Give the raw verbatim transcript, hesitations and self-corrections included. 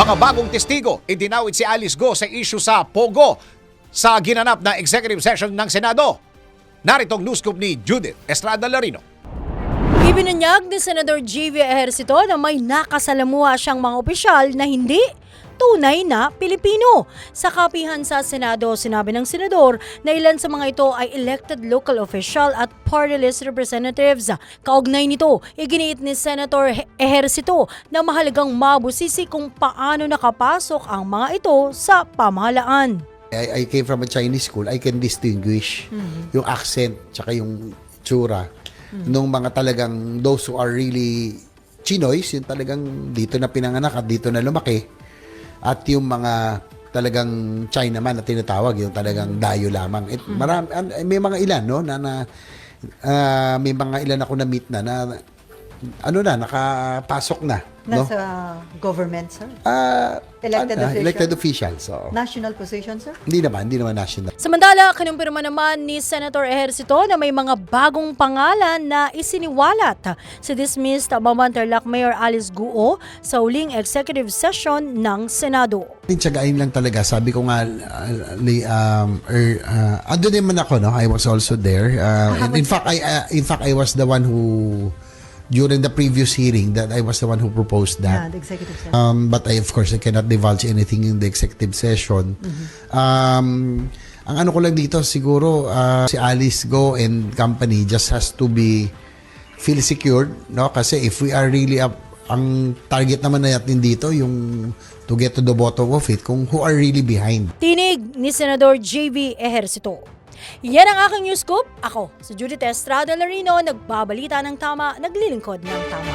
Mga bagong testigo, idinawit si Alice Go sa issue sa Pogo sa ginanap na executive session ng Senado. Naritong news scoop ni Judith Estrada Larino. Ibinunyag ni Senador J V Ejercito na may nakasalamuha siyang mga opisyal na hindi tunay na Pilipino. Sa kapihan sa Senado, sinabi ng senador na ilan sa mga ito ay elected local official at party list representatives. Kaugnay nito, iginiit ni Senator Ejercito na mahalagang mabusisi kung paano nakapasok ang mga ito sa pamahalaan. I, I came from a Chinese school, I can distinguish Mm-hmm. yung accent tsaka yung tsura mm-hmm. nung mga talagang those who are really Chinoys, yung talagang dito na pinanganak at dito na lumaki. At yung mga talagang Chinaman na tinatawag, yung talagang dayo lamang. It, marami, may mga ilan, no, na, na uh, may mga ilan ako na meet na, na ano na, nakapasok na. No? Nasa government, sir? Uh, Elected ano, official? Elected officials. So. National position, sir? Hindi naman, hindi naman national. Samantala, kinumpirma naman ni Senator Ejercito na may mga bagong pangalan na isiniwalat sa dismissed Bamantarlac Mayor Alice Guo sa uling executive session ng Senado. Tiyagain lang talaga. Sabi ko nga, uh, li- um, er, uh, ando naman ako, no? I was also there. Uh, and in fact, I uh, in fact I was the one who during the previous hearing that I was the one who proposed Yeah, that. the executive session. Um, but I of course I cannot divulge anything in the executive session. Um, ang ano ko lang dito siguro uh, si Alice Go and company just has to be feel secured, no? Kasi if we are really up, ang target naman natin dito yung to get to the bottom of it kung who are really behind. Tinig ni Senador J V Ejercito. Yan ang aking news scoop. Ako, si Judith Estrada Larino, nagbabalita ng tama, naglilingkod ng tama.